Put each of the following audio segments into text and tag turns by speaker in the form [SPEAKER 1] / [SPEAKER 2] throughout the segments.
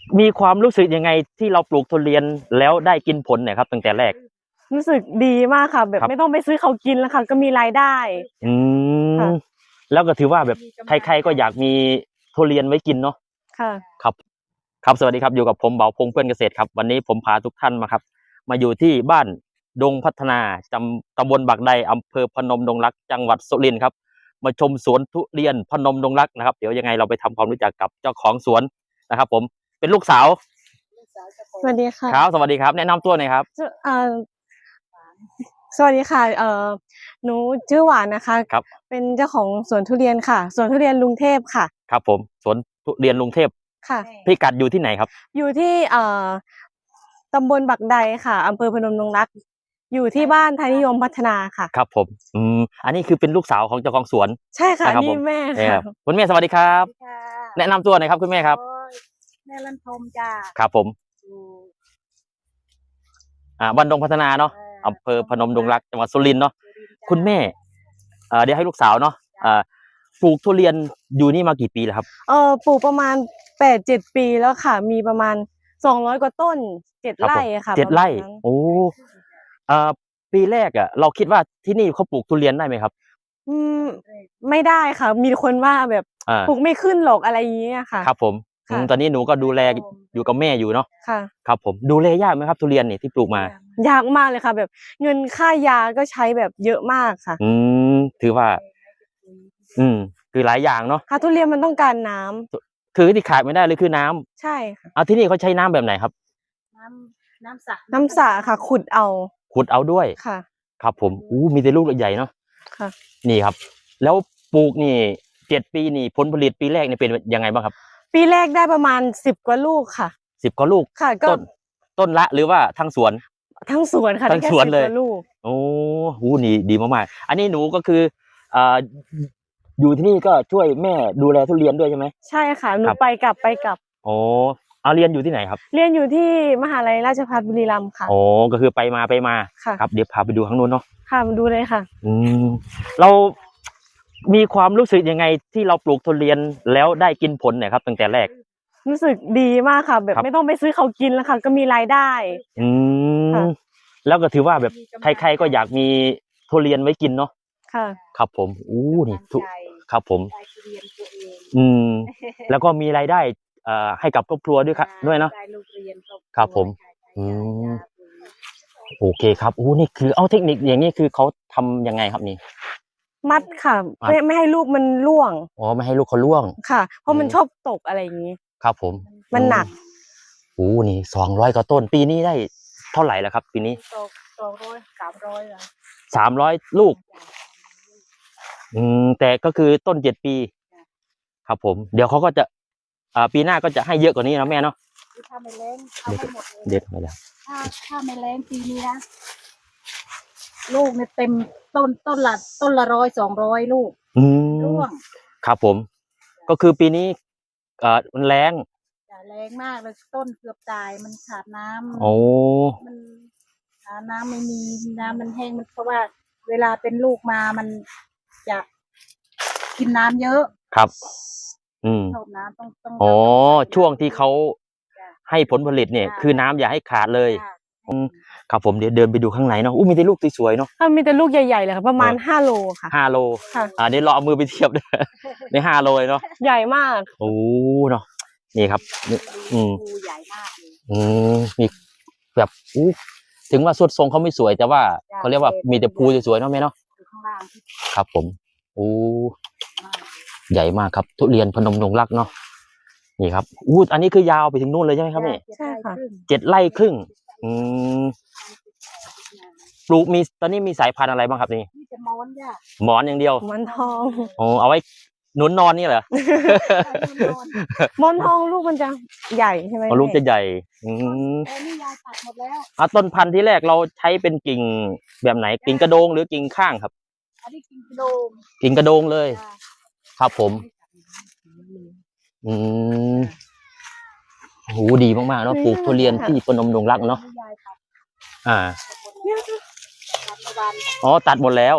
[SPEAKER 1] มีความรู้สึกยังไงที่เราปลูกทุเรียนแล้วได้กินผลเนี่ยครับตั้งแต่แรก
[SPEAKER 2] รู้สึกดีมากค่ะแบบไม่ต้องไปซื้อเขากินแล้วค่ะก็มีรายได้
[SPEAKER 1] อื
[SPEAKER 2] ค่ะ
[SPEAKER 1] มแล้วก็ถือว่าแบบใครๆก็อยากมีทุเรียนไว้กินเนาะ
[SPEAKER 2] ค่ะ
[SPEAKER 1] ครับครับสวัสดีครับอยู่กับผมเบาพงษ์เพื่อนเกษตรครับวันนี้ผมพาทุกท่านมาครับมาอยู่ที่บ้านดงพัฒนาตำบลบากไดอำเภอพนมดงรักจังหวัดสุรินทร์ครับมาชมสวนทุเรียนพนมดงรักนะครับเดี๋ยวยังไงเราไปทำความรู้จักกับเจ้าของสวนนะครับผมเป็นลูกสาว
[SPEAKER 2] สวัสดีค่ะ
[SPEAKER 1] ครับสวัสดีครับแนะนำตัวหน่อยครับ
[SPEAKER 2] เอ่อสวัสดีค่ะหนูชื่อหวานนะคะ
[SPEAKER 1] ครับ
[SPEAKER 2] เป็นเจ้าของสวนทุเรียนค่ะสวนทุเรียนลุงเทพค่ะ
[SPEAKER 1] ครับผมสวนทุเรียนลุงเทพ
[SPEAKER 2] ค่ะ
[SPEAKER 1] พิกัดอยู่ที่ไหนครับ
[SPEAKER 2] อยู่ที่ตำบลบักไดค่ะอำเภอพนมดงรักอยู่ที่บ้านไทยนิยมพัฒนาค่ะ
[SPEAKER 1] ครับผมอันนี้คือเป็นลูกสาวของเจ้าของสวน
[SPEAKER 2] ใช่ค่ะ
[SPEAKER 1] นะครับผ
[SPEAKER 2] นี่
[SPEAKER 1] ม
[SPEAKER 2] แม่ค่ะ
[SPEAKER 1] คุณแม่สวัสดีครับ
[SPEAKER 3] ค่ะ
[SPEAKER 1] แนะนำตัวหน่อยครับคุณแม่ครับ
[SPEAKER 3] แม่ลันทมจ้า
[SPEAKER 1] ครับผมบ้านดงพัฒนาเนาะอำเภอพนมดงรักจังหวัดสุรินทร์เนาะคุณแม่เดี๋ยวให้ลูกสาวเนาะปลูกทุเรียนอยู่นี่มากี่ปีแล้วครับ
[SPEAKER 2] ปลูกประมาณ8-7 ปีแล้วค่ะมีประมาณ200กว่าต้น7 ไร่ค่ะ
[SPEAKER 1] 7 ไร่โอ้ปีแรกเราคิดว่าที่นี่เขาปลูกทุเรียนได้ไหมครับ
[SPEAKER 2] อืมไม่ได้ค่ะมีคนว่าแบบปลูกไม่ขึ้นหรอกอะไรอย่างเงี้ยค่ะ
[SPEAKER 1] ครับผมตอนนี้หนูก็ดูแลอยู่กับแม่อยู่เนาะ
[SPEAKER 2] ค่ะ
[SPEAKER 1] ครับผมดูแลยากไหมครับทุเรียนนี่ที่ปลูกมาย
[SPEAKER 2] ากมากเลยค่ะแบบเงินค่ายาก็ใช้แบบเยอะมากค่ะ
[SPEAKER 1] ถือว่าคือหลายอย่างเนาะ
[SPEAKER 2] ค่ะทุเรียนมันต้องการน้ำ
[SPEAKER 1] คือที่ขาดไม่ได้เลยคือน้ำ
[SPEAKER 2] ใช่ค่ะ
[SPEAKER 1] เอาที่นี่เขาใช้น้ำแบบไหนครับ
[SPEAKER 3] น้ำสระ
[SPEAKER 2] น้ำสระค่ะขุดเอา
[SPEAKER 1] ด้วย
[SPEAKER 2] ค่ะ
[SPEAKER 1] ครับผมมีแต่ลูกใหญ่เนาะ
[SPEAKER 2] ค่ะ
[SPEAKER 1] นี่ครับแล้วปลูกนี่7 ปีนี่ผลผลิตปีแรกนี่เป็นยังไงบ้างครับ
[SPEAKER 2] ปีแรกได้ประมาณ10 กว่าลูกค่ะ
[SPEAKER 1] 10 กว่าลูก
[SPEAKER 2] ค่ะก็
[SPEAKER 1] ต้นละหรือว่าทั้งสวน
[SPEAKER 2] ทั้งสวนค่ะ
[SPEAKER 1] ทั้งสวนเลย
[SPEAKER 2] 10 กว่าลูก
[SPEAKER 1] โอ้โหนี่ดีมากๆอันนี้หนูก็คืออ่าอยู่ที่นี่ก็ช่วยแม่ดูแลทุเรียนด้วยใช่ไหม
[SPEAKER 2] ใช่ค่ะหนูไปกลับ
[SPEAKER 1] โอ้เอาเรียนอยู่ที่ไหนครับ
[SPEAKER 2] เรียนอยู่ที่มหาลัยราชภัฏบุรีรัมย์ค่ะ
[SPEAKER 1] โอ้ก็คือไปมา
[SPEAKER 2] ค่ะ
[SPEAKER 1] ครับเดี๋ยวพาไปดูข้างนู้นเนาะ
[SPEAKER 2] ค่ะมาดูเลยค่ะ
[SPEAKER 1] เรามีความรู้สึกยังไงที่เราปลูกทุเรียนแล้วได้กินผลเนี่ยครับตั้งแต่แรก
[SPEAKER 2] รู้สึกดีมากค่ะแบบไม่ต้องไปซื้อเขากินแล้วค่ะก็มีรายได้
[SPEAKER 1] แล้วก็ถือว่าแบบใครๆก็อยากมีทุเรียนไว้กินเนาะ
[SPEAKER 2] ค่ะ
[SPEAKER 1] ครับผมนี่ครับผมแล้วก็มีรายได้ให้กับครอบครัวด้วยครับด้วยเนาะครับผมโอเคครับนี่คือเอาเทคนิคอย่างนี้คือเขาทำยังไงครับนี่
[SPEAKER 2] มัดค่ะไม่ให้ลูกมันร่วง
[SPEAKER 1] ไม่ให้ลูกเขาร่วง
[SPEAKER 2] ค่ะเพราะมันชอบตกอะไรอย่างนี้
[SPEAKER 1] ครับผม
[SPEAKER 2] มันหนัก
[SPEAKER 1] นี่200 กว่าต้นปีนี้ได้เท่าไหร่แล้วครับปีนี้300 ลูกแต่ก็คือต้น7 ปีครับผมเดี๋ยวเขาก็จะปีหน้าก็จะให้เยอะกว่านี้นะแม่เนาะ
[SPEAKER 3] ถ้าไม่แรงเอาให้หมดเลย
[SPEAKER 1] เด็ดไปแล้ว
[SPEAKER 3] ถ้าไม่แรงปีนี้นะลูกเนี่ยเต็มต้นละ100-200 ลูกร่วง
[SPEAKER 1] ครับผมก็คือปีนี้มันแรง
[SPEAKER 3] มากเลยต้นเกือบตายมันขาดน้ำมันน้ำไม่มีน้ำมันแห้งมันเพราะว่าเวลาเป็นลูกมามันจะกินน้ำเยอะ
[SPEAKER 1] ครับ
[SPEAKER 3] ชอบน้ำต้อง
[SPEAKER 1] ช่วงที่เขาให้ผลผลิตเนี่ยคือน้ำอย่าให้ขาดเลยครับผมเดี๋ยวเดินไปดูข้างในเนาะมีแต่ลูกสวยๆเนาะ
[SPEAKER 2] มีแต่ลูกใหญ่ๆเลยค่ะประมาณ5 โลค่ะ
[SPEAKER 1] 5 โลเดี๋ยวเราเอามือไปเทียบด้วยใน5 โลเนาะ
[SPEAKER 2] ใหญ่มาก
[SPEAKER 1] เนาะนี่ครับ
[SPEAKER 3] ใหญ่มาก
[SPEAKER 1] มีแบบถึงว่าสุดทรงเขาไม่สวยแต่ว่าเขาเรียกว่ามีแต่ภูสวยๆเนาะแม่เนาะครับผมใหญ่มากครับทุเรียนพนมดงรักเนาะนี่ครับอันนี้คือยาวไปถึงนู่นเลยใช่ไหมครับแม่
[SPEAKER 2] ใช่ค่ะ
[SPEAKER 1] 7 ไร่ครึ่งปลูกตอนนี้มีสายพันธุ์อะไรบ้างครับนี่หมอนอย่างเดียว
[SPEAKER 2] หมอนทอง
[SPEAKER 1] เอาไว้หนุนนอนนี่เหรอ
[SPEAKER 2] หมอนทองลูกมันจะใหญ่ใช่ไหม
[SPEAKER 1] ลูกจะใหญ่
[SPEAKER 3] นี่ยายตัดหมดแล้ว
[SPEAKER 1] ต้นพันธุ์ที่แรกเราใช้เป็นกิ่งแบบไหนกิ่งกระโดงหรือกิ่งข้างครับ
[SPEAKER 3] อันนี้กิ่งกระโดง
[SPEAKER 1] เลยครับผมดีมากๆเนาะปลูกทุเรียนที่พนมดงรักเนาะตัดหมดแล้ว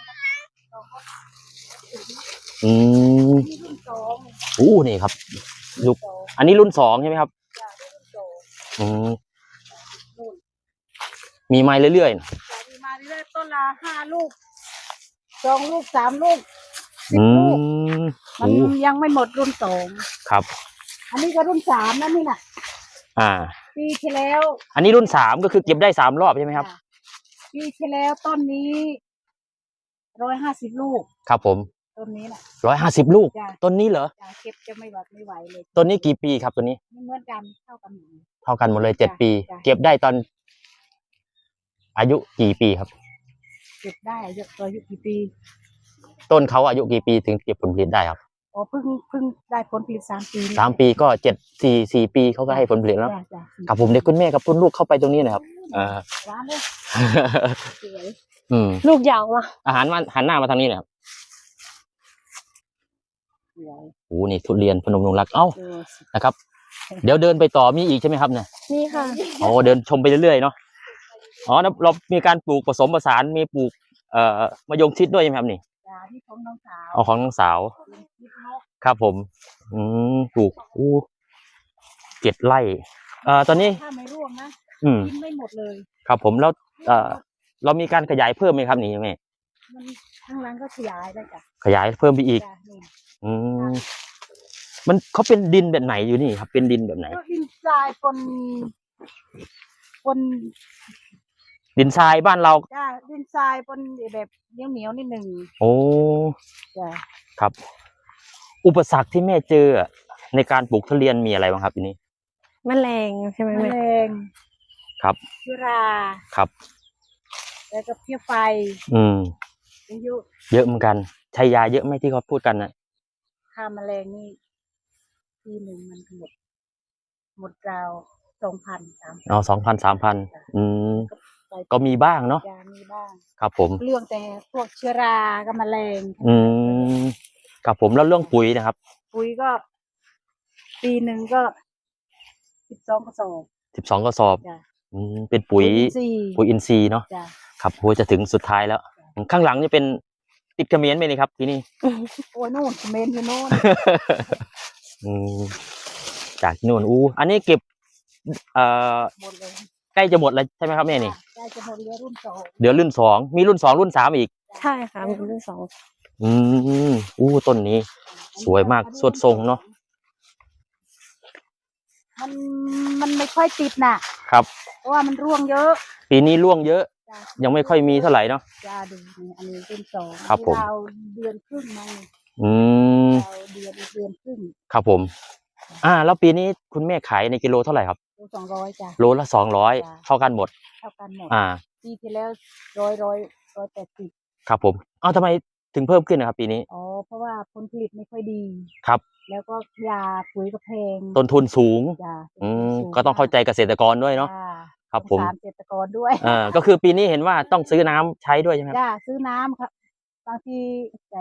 [SPEAKER 1] นี่ครับลูก
[SPEAKER 3] สอง
[SPEAKER 1] อันนี้รุ่นสองใช่ไหมครับ
[SPEAKER 3] จ้ะรุ่นสอง
[SPEAKER 1] อืม
[SPEAKER 3] นู่น
[SPEAKER 1] มีไม้เรื่อย
[SPEAKER 3] จะมีมาเรื่อยๆต้นละ5 ลูก2 ลูก 3 ลูก
[SPEAKER 1] ๆ
[SPEAKER 3] 10 ลูก
[SPEAKER 1] โอ้
[SPEAKER 3] มันยังไม่หมดรุ่นสอง
[SPEAKER 1] ครับ
[SPEAKER 3] อันนี้ก็รุ่น3นะนี่น่ะ
[SPEAKER 1] อ่า
[SPEAKER 3] ปีที่แล้ว
[SPEAKER 1] อันนี้รุ่นสามก็คือเก็บได้3 รอบใช่ไหมครับ
[SPEAKER 3] จ้ะปีที่แล้วต้นนี้150 ลูก
[SPEAKER 1] ครับผม
[SPEAKER 3] ต้นนี้น่ะ
[SPEAKER 1] 150 ลูก
[SPEAKER 3] จ้ะ
[SPEAKER 1] ต้นนี้เหรอ
[SPEAKER 3] จะเก็บจะไม่ไหวเลย
[SPEAKER 1] ต้นนี้กี่ปีครับตัวนี้
[SPEAKER 3] ไม่เหมือนกันเท่ากันหมดเลย
[SPEAKER 1] เท่ากันหมดเลย
[SPEAKER 3] จ้ะ
[SPEAKER 1] 7 ปี
[SPEAKER 3] จ้ะ
[SPEAKER 1] เก็บได้ตอน อายุกี่ปีครับ
[SPEAKER 3] เก็บได้อายุกี่ปี
[SPEAKER 1] ต้นเขาอายุกี่ปีถึงเก็บผลผลิตได้ครับ
[SPEAKER 3] อ๋อเพิ่งได้ผลผลิต3 ปีนี่
[SPEAKER 1] 3 ปีก็4 ปีเขาก็ให้ผลผลิตแล้ว
[SPEAKER 3] จ้ะ
[SPEAKER 1] ครับผมเด็กคุณแม่กับคุณลูกเข้าไปตรงนี้หนะครับ
[SPEAKER 3] ร้านเลยสวย
[SPEAKER 1] อืม
[SPEAKER 2] ลูกยาวมาก
[SPEAKER 1] อาหารมาหันหน้ามาทางนี้หนะครับ
[SPEAKER 3] สวย
[SPEAKER 1] โอ้นี่ทุเรียนพนมดงรักเอ้า
[SPEAKER 3] ดูสิ
[SPEAKER 1] นะครับ เดี๋ยวเดินไปต่อมีอีกใช่ไหมครับเนี่ย
[SPEAKER 2] นี่ค่ะ
[SPEAKER 1] โอ้เดินชมไปเรื่อยๆเนาะอ๋อแล้วเรามีการปลูกผสมผสานมีปลูกมะยงชิดด้วยใช่ไหมครับนี่
[SPEAKER 3] จ้าที่ของน้องสาว
[SPEAKER 1] เอาของน้องสาว
[SPEAKER 3] เป็นคลิปนก
[SPEAKER 1] ครับผม ปลูก7 ไร่ตอนนี้
[SPEAKER 3] ถ้าไม่ร่วงนะ
[SPEAKER 1] อืม
[SPEAKER 3] กินไม่หมดเลย
[SPEAKER 1] ครับผมแล้วเรามีการขยายเพิ่มไหมครับนี่แม่
[SPEAKER 3] มันข้างหล่างก็ขยายได้จ้ะ
[SPEAKER 1] ขยายเพิ่มไปอีก
[SPEAKER 3] จ้ะนี่
[SPEAKER 1] อืมมันเขาเป็นดินแบบไหนอยู่นี่ครับ เป็นดินแบบไหน
[SPEAKER 3] ก็ดินทรายปน
[SPEAKER 1] ดินทรายบ้านเรา
[SPEAKER 3] จ้าดินทรายปนแบบเหนียวนิดหนึ่ง
[SPEAKER 1] โอ้
[SPEAKER 3] จ้ะ
[SPEAKER 1] ครับ อุปสรรคที่แม่เจอในการปลูกทุเรียนมีอะไรบ้างครับทีนี้
[SPEAKER 2] แมลงใช่ไหม
[SPEAKER 3] แม
[SPEAKER 2] แม่
[SPEAKER 3] ลง
[SPEAKER 1] ครับ
[SPEAKER 3] เชื้อรา
[SPEAKER 1] ครับ
[SPEAKER 3] แล้วก็เพี้ยไฟ
[SPEAKER 1] อืม
[SPEAKER 3] อายุ
[SPEAKER 1] เยอะเหมือนกันใช้ยาเยอะไหมที่เขาพูดกันนะ
[SPEAKER 3] ฆ่าแมลงนี่ปีหนึ่งมันหมดราว2,000-3,000
[SPEAKER 1] อ๋อ2,000-3,000อืมก็มีบ้างเนาะ
[SPEAKER 3] ยามีบ้าง
[SPEAKER 1] ครับผม
[SPEAKER 3] เรื่องแต่พวกเชื้อรากับแมลง
[SPEAKER 1] อืมครับผมแล้วเรื่องปุ๋ยนะครับ
[SPEAKER 3] ปุ๋ยก็ปีหนึ่งก็12 กระสอบ
[SPEAKER 1] 12 กระสอบ
[SPEAKER 3] จ้ะ
[SPEAKER 1] เป็นปุ๋ย
[SPEAKER 3] อินทรีย์
[SPEAKER 1] ปุ๋ยอินทรีย์เนาะ
[SPEAKER 3] จ้ะ
[SPEAKER 1] ครับโหจะถึงสุดท้ายแล้ว ข้างหลังนี่เป็นติดเขมรไหมนี่ครับที่นี่
[SPEAKER 3] โอ้ยนู่นเมนอยู่นู่น
[SPEAKER 1] อืมจากที่นู่นอันนี้เก็บ
[SPEAKER 3] หมดเลย
[SPEAKER 1] ใกล้จะหมดแล้วใช่ไหมครับแม่นี่
[SPEAKER 3] ได้จะหมดเรือรุ่นสอง
[SPEAKER 1] เดี๋ยวรุ่น 2มีรุ่น 2 รุ่น 3อีก
[SPEAKER 2] ใช่ค่ะมีรุ่นสอง
[SPEAKER 1] อืมต้นนี้ สวยมากสวดทรงเนอะ
[SPEAKER 3] มันไม่ค่อยติดน่ะ
[SPEAKER 1] ครับ
[SPEAKER 3] เพราะว่ามันร่วงเยอะ
[SPEAKER 1] ปีนี้ร่วงเยอะ
[SPEAKER 3] จ้ะ
[SPEAKER 1] ยังไม่ค่อยมีเท่าไหร่เนาะ
[SPEAKER 3] จ้าดูนี่อันนี้รุ่นสอง
[SPEAKER 1] ครับผม
[SPEAKER 3] ราวเดือนครึ่งมา
[SPEAKER 1] อืม
[SPEAKER 3] ราวเดือนครึ่ง
[SPEAKER 1] ครับผม แล้วปีนี้คุณแม่ขายในกิโลเท่าไหร่ครับ
[SPEAKER 3] โล200จ้ะ
[SPEAKER 1] โลละ200เท่ากันหมด
[SPEAKER 3] เท่ากันหมด
[SPEAKER 1] อ่า
[SPEAKER 3] ปีที่แล้ว180
[SPEAKER 1] ครับผมทำไมถึงเพิ่มขึ้นนะครับ ปีนี้
[SPEAKER 3] อ๋อเพราะว่าผลผลิตไม่ค่อยดี
[SPEAKER 1] ครับ
[SPEAKER 3] แล้วก็ยาปุ๋ยก็แพง
[SPEAKER 1] ต้นทุนสูง
[SPEAKER 3] จ้ะ
[SPEAKER 1] ก็ต้องเข้าใจเกษตรกรด้วยเนาะ
[SPEAKER 3] จ้
[SPEAKER 1] ครับผม
[SPEAKER 3] สงสารเกษตรกรด้วย
[SPEAKER 1] ก็คือปีนี้เห็นว่าต้องซื้อน้ำใช้ด้วยใช่ไหมครับ
[SPEAKER 3] จ้าซื้อน้ำครับบางทีแต่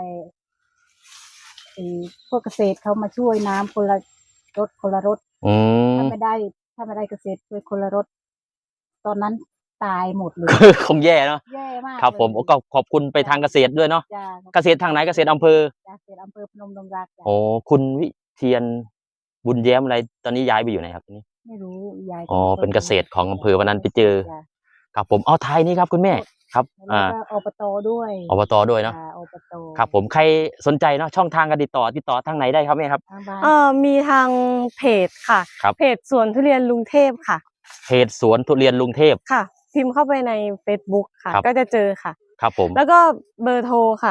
[SPEAKER 3] พวกเกษตรเขามาช่วยน้ำคนละรถ
[SPEAKER 1] อืม
[SPEAKER 3] ถ้าไม่ได้เกษตรช่วยคนละรถ ตอนนั้นตายหมดเลย
[SPEAKER 1] คงแย่เนาะ
[SPEAKER 3] แย่มาก
[SPEAKER 1] ครับผม
[SPEAKER 3] เลย
[SPEAKER 1] ก็ขอบคุณไปทางเกษตรด้วยเนาะ
[SPEAKER 3] จ้า
[SPEAKER 1] เกษตรทางไหนเกษตรอำเภอ
[SPEAKER 3] จ้าเกษตรอำเภอพนมดงรักจ้ะ
[SPEAKER 1] โอ้คุณวิเทียนบุญแย้มอะไรตอนนี้ย้ายไปอยู่ไหนครับตอนนี้
[SPEAKER 3] ไม่รู้ยาย
[SPEAKER 1] เป็นเกษตรของอำเภอวันนั้นไปเจอ
[SPEAKER 3] จ้ะ
[SPEAKER 1] ครับผมท้ายนี้ครับคุณแม่ครับ
[SPEAKER 3] แล้วก็อบตด้วย
[SPEAKER 1] อบตด้วยเนาะ
[SPEAKER 3] จ้ะอบต
[SPEAKER 1] ครับผมใครสนใจเนาะช่องทางการติดต่อทางไหนได้ครับแม่ครับ
[SPEAKER 3] ทางบ้าน
[SPEAKER 2] มีทางเพจค่ะ
[SPEAKER 1] ครับ
[SPEAKER 2] เพจสวนทุเรียนลุงเทพค่ะ
[SPEAKER 1] เพจสวนทุเรียนลุงเทพ
[SPEAKER 2] ค่ะ พิมพ์เข้าไปใน Facebook ค่ะ
[SPEAKER 1] ครับ
[SPEAKER 2] ก็จะเจอค่ะ
[SPEAKER 1] ครับผม
[SPEAKER 2] แล้วก็เบอร์โทรค่ะ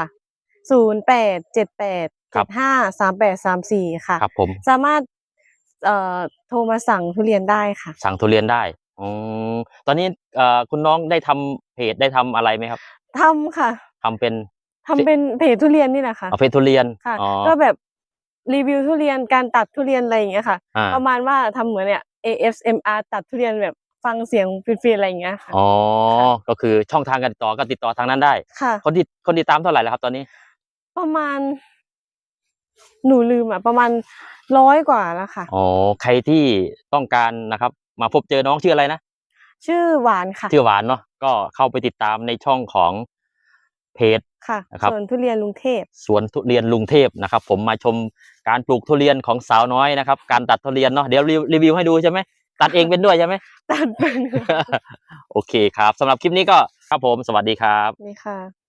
[SPEAKER 2] 0878753834ค่ะ
[SPEAKER 1] ครับผม
[SPEAKER 2] สามารถโทรมาสั่งทุเรียนได้ค่ะ
[SPEAKER 1] สั่งทุเรียนได้ตอนนี้คุณน้องได้ทำเพจได้ทำอะไรไหมครับ
[SPEAKER 2] ทำค่ะ
[SPEAKER 1] ทำเป็น
[SPEAKER 2] ทำเป็นเพจทุเรียนนี่แหละค่ะ
[SPEAKER 1] เพจทุเรียน
[SPEAKER 2] ค่ะ
[SPEAKER 1] อ๋อ
[SPEAKER 2] ก็แบบรีวิวทุเรียนการตัดทุเรียนอะไรอย่างเงี้ยค่ะ
[SPEAKER 1] อ่า
[SPEAKER 2] ประมาณว่าทำเหมือนเนี่ย ASMR ตัดทุเรียนแบบฟังเสียงฟินๆอะไรอย่างเงี้ยค่ะ
[SPEAKER 1] อ๋อก็คือช่องทางการติดต่อก็ติดต่อทางนั้นได้
[SPEAKER 2] ค่ะ
[SPEAKER 1] คนติดตามเท่าไหร่แล้วครับตอนนี้
[SPEAKER 2] ประมาณ หนูลืมประมาณ100 กว่าแล้วค่ะ
[SPEAKER 1] อ๋อใครที่ต้องการนะครับ มาพบเจอน้องชื่ออะไรนะ
[SPEAKER 2] ชื่อหวานค่ะ
[SPEAKER 1] ชื่อหวานเนาะก็เข้าไปติดตามในช่องของเพจ
[SPEAKER 2] ค่ะ
[SPEAKER 1] นะครับ
[SPEAKER 2] สวนทุเรียนลุงเทพ
[SPEAKER 1] สวนทุเรียนลุงเทพนะครับ ผมมาชมการปลูกทุเรียนของสาวน้อยนะครับ การตัดทุเรียนเนาะเดี๋ยวรีวิวให้ดูใช่ไหมตัดเองเป็นด้วยใช่ไหม
[SPEAKER 2] ตัดเป็น
[SPEAKER 1] โอเคครับสำหรับคลิปนี้ก็ครับผมสวัสดีครับ
[SPEAKER 2] นี่ค่ะ